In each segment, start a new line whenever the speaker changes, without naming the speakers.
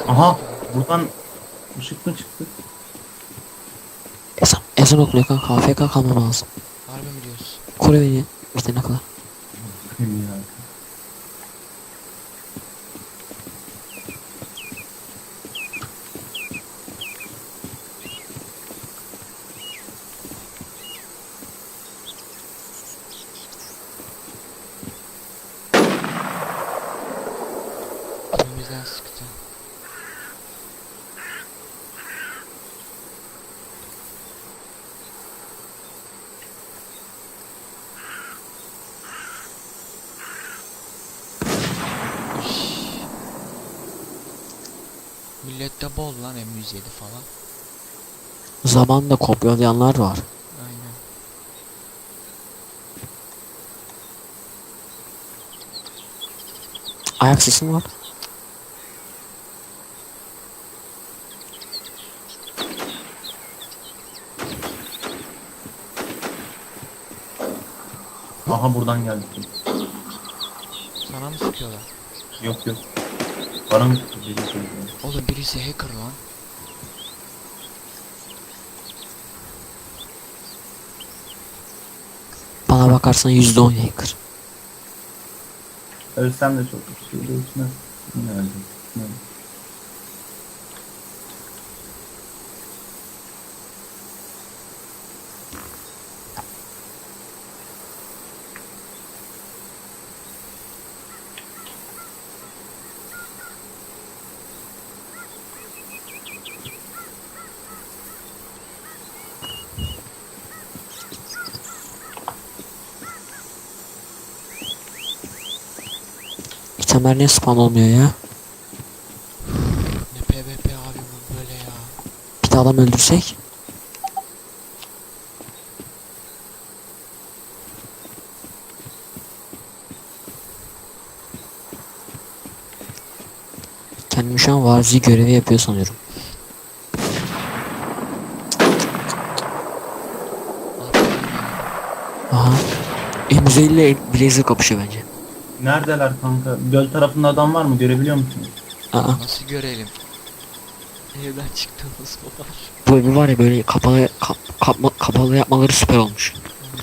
Aha, buradan ışık mı çıktı?
Ezan okunuyor kanka. AFK kalmam lazım.
Harbi mi diyorsun?
Koru beni. Bitene kadar.
Bilmiyorum.
Önümüzden sıktı. Üş. Millette bol lan M107 falan.
Zamanında kopyalayanlar var.
Aynen.
Ayak sesi mi var?
Aha buradan geldi.
Sana mı sıkıyorlar?
Yok yok. Bana mı dedi söylüyor.
Oğlum birisi hacker lan.
Bana bakarsan %10 hacker.
Ölsem de çok bir şey değişmez. Yine öldüm. Yine öldüm.
İtemler niye spawn olmuyor ya?
Ne PvP abi bu böyle ya.
Bir de adam öldürsek. Kendimi şu an varzi görevi yapıyor sanıyorum.
Aferin ya.
Aha. M150 ile Blazer kapışıyor bence.
Neredeler kanka? Göl tarafında adam var mı? Görebiliyor musun?
Aa.
Nasıl görelim? Evden çıktığımız var.
Bu evi var ya böyle kapalı kapalı yapmaları süper olmuş.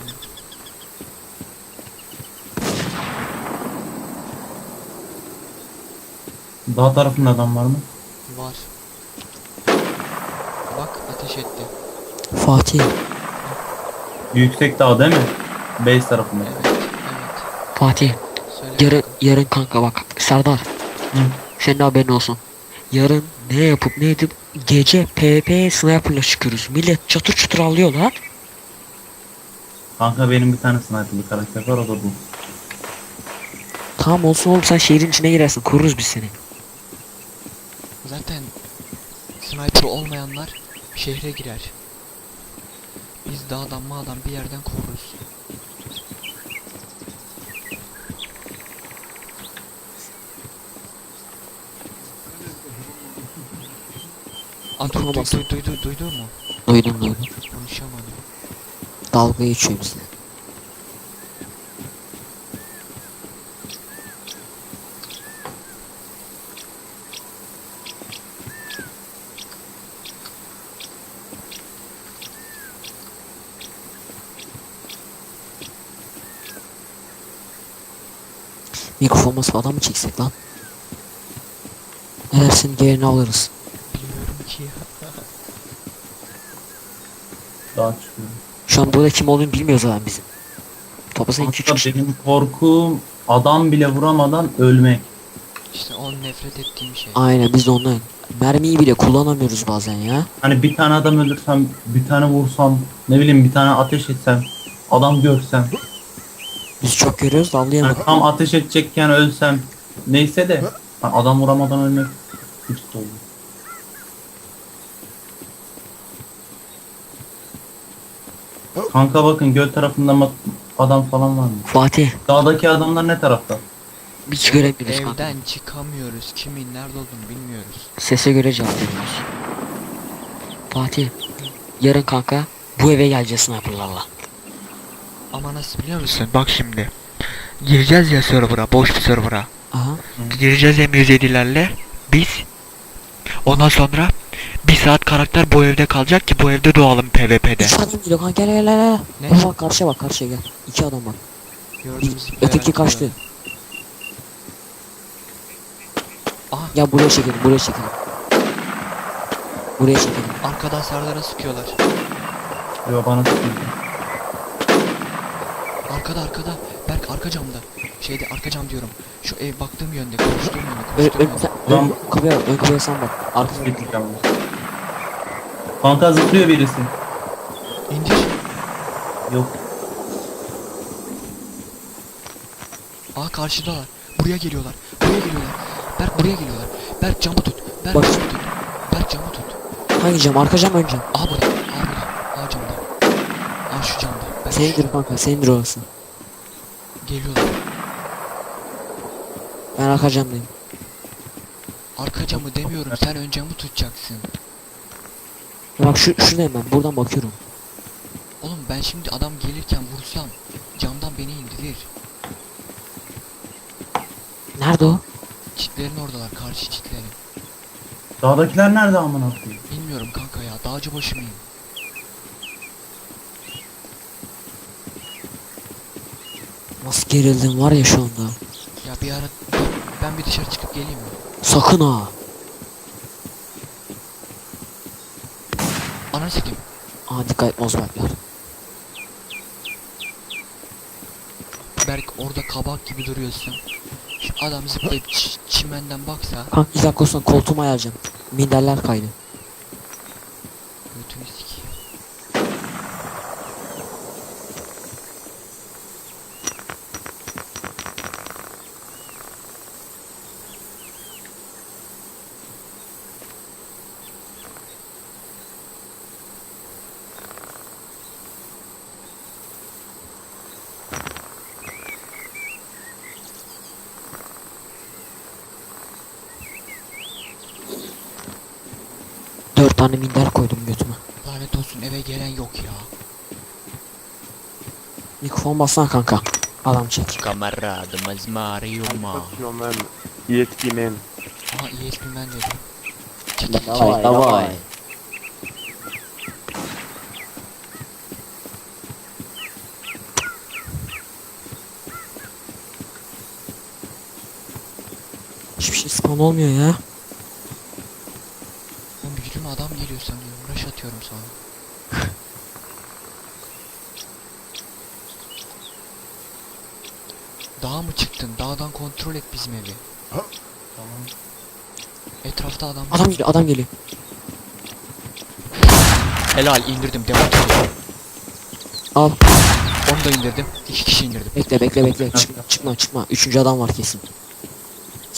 Dağ tarafında adam var mı?
Var. Bak ateş etti.
Fatih.
Yüksek dağ değil mi? Base tarafında.
Evet. Evet.
Fatih.
Söyle
Yarın,
bakalım.
yarın kanka bak. Serdar.
Hı.
Senin haberin olsun. Yarın ne yapıp ne edip gece PvP sniper'la çıkıyoruz. Millet çatır çatır alıyor lan.
Kanka benim bir tane sniper'lı karakter var, o da bu.
Tamam olsun oğlum, sen şehrin içine girersin. Koruruz biz seni.
Zaten sniper olmayanlar şehre girer. Biz dağdan mağdan bir yerden koruruz. Aa,
Tamam, olsun.
duydun mu?
Duydum.
Konuşamadım.
Dalga geçiyor bizle. Mikrofon falan mı çeksek lan? Ne dersin, yerini alırız.
Bilmiyorum ki ya.
Dağa çıkıyor.
Şu an burada kim olduğunu bilmiyoruz zaten bizim. Toplasan 2-3
Kanka
kişi.
benim korkum adam bile vuramadan ölmek.
İşte o nefret ettiğim şey.
Aynen, biz de ondan. Mermiyi bile kullanamıyoruz bazen ya.
Hani bir tane adam öldürsem, bir tane vursam, ne bileyim bir tane ateş etsem, adam görsem.
Biz çok görüyoruz da
Hani
anlayamadık.
tam ateş edecekken ölsem. Neyse de hani adam vuramadan ölmek hiç de olur. Kanka bakın göl tarafında adam falan var mı?
Fatih,
Dağdaki adamlar ne tarafta?
hiç göremiyoruz kanka.
Evden çıkamıyoruz. Kimin nerede olduğunu bilmiyoruz.
Sese göre cevap veriyoruz. Fatih, yarın kanka bu eve geleceğiz sniper'larla.
Ama nasıl biliyor musun? Bak şimdi. Gireceğiz ya server'a, boş bir server'a.
Aha.
Gireceğiz M107'lerle. Biz Ondan sonra bir saat karakter bu evde kalacak ki bu evde doğalım PvP'de.
3 adam geliyor kanka, gel gel gel.
Ne?
Bak bak, karşıya bak, karşıya gel. 2 adam bak.
Gördüm,
Bir,
zıplayarak
öteki kaçtı.
geliyor. Aha,
Ya buraya çekelim, buraya çekelim. Buraya çekelim.
arkadan Serdar'a sıkıyorlar.
Yo bana sıkıyor.
Arkada. Berk arka camda. Şeyde arka cam diyorum. Şu ev baktığım yönde, koştuğum yönde, koştuğum yönde.
Ulan-
Ön kapıya sen bak. Arkasına
Gideceğim. Kanka zıplıyor birisi.
İndir.
Yok.
Aa, karşıdalar. Buraya geliyorlar. Berk buraya geliyorlar. Berk camı tut. Berk
Bak.
camı tut. Berk camı tut.
hangi cam? Arka cam, ön cam.
Aa burada. Aa camda. Aa şu camda. Berk şu
Senindir kanka, senindir orası.
geliyorlar.
Ben arka camdayım.
Arka camı demiyorum. Sen ön camı tutacaksın.
Ya bak şuradayım ben, buradan bakıyorum.
Oğlum ben şimdi adam gelirken vursam camdan beni indirir.
Nerede o?
Çitlerin oradalar. Karşı çitlerin.
Dağdakiler nerede amına koyayım?
Bilmiyorum kanka ya. Dağcı başı mıyım?
Nasıl gerildim var ya şu anda.
Ya bir ara ben bir dışarı çıkıp geleyim mi?
Sakın ha.
Ananı sikeyim.
Aa, dikkat et Mozbertler.
Berk orada kabak gibi duruyorsun. Şu adam zıplayıp çimenden baksa
Kanka 2 dakika sonra koltuğumu ayarlayacağım. Minderler kaydı.
götünü sikeyim.
Dört tane minder koydum götüme.
Lanet olsun, eve gelen yok ya.
Mikrofon bassana kanka. Adam çek.
Kamaradımız Mariuma.
Fuck you, man. ESP man.
Aha ESP man dedi. Çekil
Davay davay. Hiçbir şey spawn olmuyor ya.
Ben gücüme adam geliyor sanıyorum. Rush atıyorum sana. Dağa mı çıktın? Dağdan kontrol et bizim evi.
Tamam.
Etrafta adam.
Adam geliyor, adam geliyor.
Helal, indirdim. Devam ediyorum.
Al.
Onu da indirdim. 2 kişi indirdim.
Bekle bekle bekle. Çıkma çıkma çıkma. Üçüncü adam var kesin.